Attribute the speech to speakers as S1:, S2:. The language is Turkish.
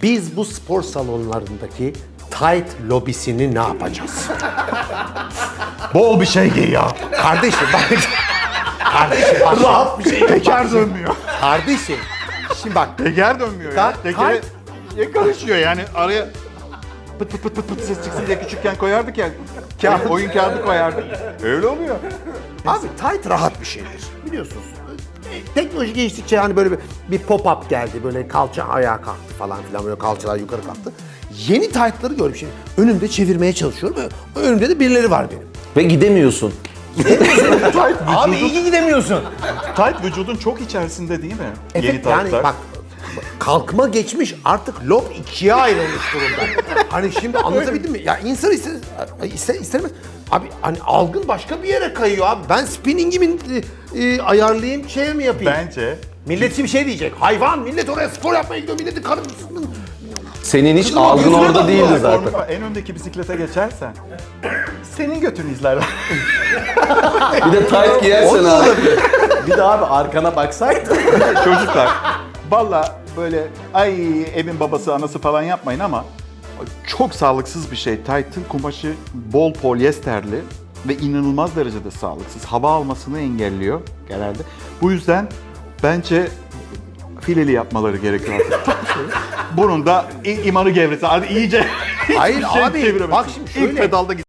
S1: Biz bu spor salonlarındaki tight lobisini ne yapacağız?
S2: Bol bir şey giy ya.
S1: Kardeşim bak. Kardeşim bak.
S2: Rahat bir şey. Teker dönmüyor.
S1: Kardeşim. Şimdi bak.
S2: Teker dönmüyor ya.
S1: Ta-
S2: Tekere karışıyor yani araya pıt pıt pıt pıt pıt ses çıksın diye küçükken koyardık ya. Oyun kağıdı koyardık. Öyle oluyor.
S1: Abi tight rahat bir şeydir. Biliyorsunuz. Teknoloji geçtikçe hani böyle bir pop-up geldi. Böyle kalça ayağa kalktı falan filan. Böyle kalçalar yukarı kalktı. Yeni tight'ları gördüm şimdi. Önümde çevirmeye çalışıyorum. Önümde de birileri var benim.
S3: Ve gidemiyorsun.
S1: Abi iyi ki gidemiyorsun.
S2: Tight vücudun çok içerisinde değil mi? Yeni
S1: Evet yani
S2: tight'lar.
S1: bak kalkma geçmiş artık lob ikiye ayrılmış durumda. Hani şimdi anlatabildim mi? Ya insan istemez. Abi hani algın başka bir yere kayıyor abi. Ben spinningimi ayarlayayım şeye mi yapayım?
S2: Bence
S1: Millet şimdi şey diyecek. Hayvan millet oraya spor yapmaya gidiyor. Milletin karısının.
S3: Senin hiç
S1: Kızım,
S3: algın
S1: yüzüne
S3: orada
S1: bak
S3: değildi
S1: ya,
S3: zaten.
S2: en öndeki bisiklete geçersen senin götünü izlerler.
S3: Bir de tight giyersen abi. Bir de abi arkana baksaydın.
S2: Çocuklar valla böyle ay evin babası anası falan yapmayın ama çok sağlıksız bir şey. Tight'ın kumaşı bol polyesterli ve inanılmaz derecede sağlıksız. Hava almasını engelliyor genelde. Bu yüzden bence fileli yapmaları gerekiyor artık. Bunun da imanı gevresi. Hadi iyice
S1: Hayır
S2: hiçbir şey
S1: abi,
S2: çeviremezsin.
S1: bak şimdi şöyle.
S2: İlk pedalda